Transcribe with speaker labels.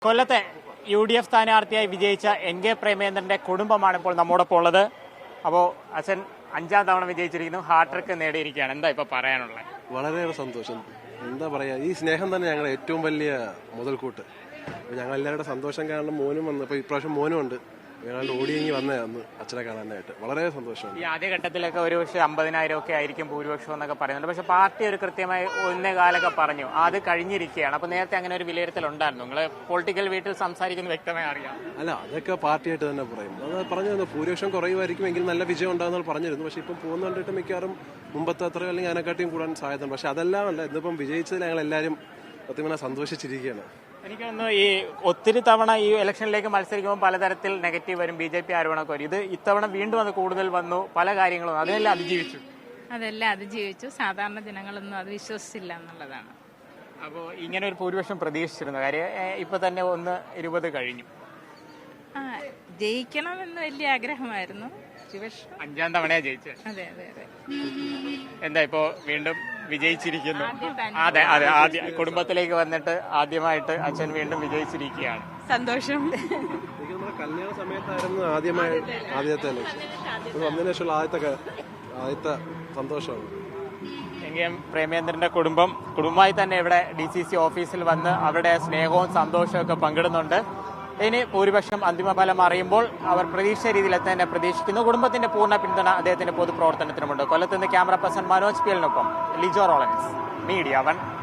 Speaker 1: കൊല്ലത്തെ UDF സ്ഥാനാർത്ഥിയായി വിജയിച്ച NK പ്രേമേന്ദ്രന്റെ കുടുംബമാണ് ഇപ്പോൾ നമ്മോടൊപ്പം ഉള്ളത്. അപ്പോൾ അച്ഛൻ 5ാം തവണ വിജയിച്ചിരിക്കുന്നു, ഹാട്രിക്ക് നേടിയിരിക്കുകയാണ്. എന്താ ഇപ്പൊ പറയാനുള്ളത്?
Speaker 2: വളരെയേറെ സന്തോഷം. എന്താ പറയാ, ഈ സ്നേഹം തന്നെ ഞങ്ങളുടെ ഏറ്റവും വലിയ മുതൽക്കൂട്ട്. ഞങ്ങൾ എല്ലാവരുടെ സന്തോഷം കാരണം മോനും വന്നു. ഇപ്പൊ ഇപ്രാവശ്യം മോനും ഉണ്ട്. ഞങ്ങൾ ഓടിയെങ്കി വന്നേ അന്ന് അച്ഛനെ കാണാനായിട്ട് വളരെ സന്തോഷമാണ്.
Speaker 1: ഈ ആദ്യഘട്ടത്തിലൊക്കെ ഒരു പക്ഷേ 50,000 ഒക്കെ ആയിരിക്കും ഭൂരിപക്ഷം എന്നൊക്കെ പറയുന്നുണ്ട്. പക്ഷെ പാർട്ടി ഒരു കൃത്യമായി ഒന്നേകാലൊക്കെ പറഞ്ഞു, അത് കഴിഞ്ഞിരിക്കുകയാണ്. അപ്പൊ നേരത്തെ അങ്ങനെ ഒരു വിലയിരുത്തൽ ഉണ്ടായിരുന്നു? നിങ്ങൾ പൊളിറ്റിക്കൽ വീട്ടിൽ സംസാരിക്കുന്നത് വ്യക്തമായി അറിയാം.
Speaker 2: അല്ല, അതൊക്കെ പാർട്ടിയായിട്ട് തന്നെ പറയും. അത് പറഞ്ഞു ഭൂരിപക്ഷം കുറയുമായിരിക്കും, എങ്കിൽ നല്ല വിജയം ഉണ്ടാകുന്ന പറഞ്ഞിരുന്നു. പക്ഷെ ഇപ്പം പോകുന്ന കണ്ടിട്ട് മിക്കവാറും മുമ്പത്തെ അത്ര അല്ലെങ്കിൽ അതിനെക്കാട്ടിയും കൂടാൻ സാധ്യത. പക്ഷെ അതെല്ലാം അല്ല, ഇന്നിപ്പം വിജയിച്ചതിൽ ഞങ്ങൾ എല്ലാവരും സത്യം സന്തോഷിച്ചിരിക്കുകയാണ്.
Speaker 1: എനിക്ക് തോന്നുന്നു ഈ ഒത്തിരി തവണ ഈ ഇലക്ഷനിലേക്ക് മത്സരിക്കുമ്പോൾ പലതരത്തിൽ നെഗറ്റീവ് വരും, BJP ആരോപണമൊക്കെ വരും. ഇത് ഇത്തവണ വീണ്ടും അത് കൂടുതൽ വന്നു, പല കാര്യങ്ങളും അതെല്ലാം അതിജീവിച്ചു.
Speaker 3: അതെല്ലാം അതിജീവിച്ചു. സാധാരണ ജനങ്ങളൊന്നും അത് വിശ്വസിച്ചില്ല എന്നുള്ളതാണ്.
Speaker 1: അപ്പോൾ ഇങ്ങനെ ഒരു ഭൂരിപക്ഷം പ്രതീക്ഷിച്ചിരുന്നു കാര്യം ഇപ്പൊ തന്നെ 1:20 കഴിഞ്ഞു.
Speaker 3: ജയിക്കണമെന്ന് വലിയ ആഗ്രഹമായിരുന്നു.
Speaker 1: 5ാം തവണയാ ജയിച്ചത്.
Speaker 3: അതെ അതെ അതെ.
Speaker 1: എന്താ ഇപ്പോ വീണ്ടും വിജയിച്ചിരിക്കുന്നു? അതെ അതെ, ആദ്യ കുടുംബത്തിലേക്ക് വന്നിട്ട് ആദ്യമായിട്ട് അച്ഛൻ വീണ്ടും വിജയിച്ചിരിക്കുകയാണ്.
Speaker 3: സന്തോഷം.
Speaker 2: നമ്മുടെ കല്യാണ സമയത്തായിരുന്നു ആദ്യത്തെ ഇലക്ഷൻ. വന്നതിന് ശേഷമുള്ള ആദ്യത്തെ സന്തോഷമാണ്.
Speaker 1: എങ്കിലും പ്രേമേന്ദ്രന്റെ കുടുംബമായി തന്നെ ഇവിടെ DCC ഓഫീസിൽ വന്ന് അവരുടെ സ്നേഹവും സന്തോഷവും ഒക്കെ പങ്കിടുന്നുണ്ട്. ഇനി ഭൂരിപക്ഷം അന്തിമഫലം അറിയുമ്പോൾ അവർ പ്രതീക്ഷ രീതിയിൽ തന്നെ പ്രതീക്ഷിക്കുന്നു. കുടുംബത്തിന്റെ പൂർണ്ണ പിന്തുണ അദ്ദേഹത്തിന്റെ പൊതുപ്രവർത്തനത്തിനുമുണ്ട്. കൊല്ലത്ത് നിന്ന് ക്യാമറ പേഴ്സൺ മനോജ് PL-നൊപ്പം ലിജോ റോളൻസ്, മീഡിയ 1.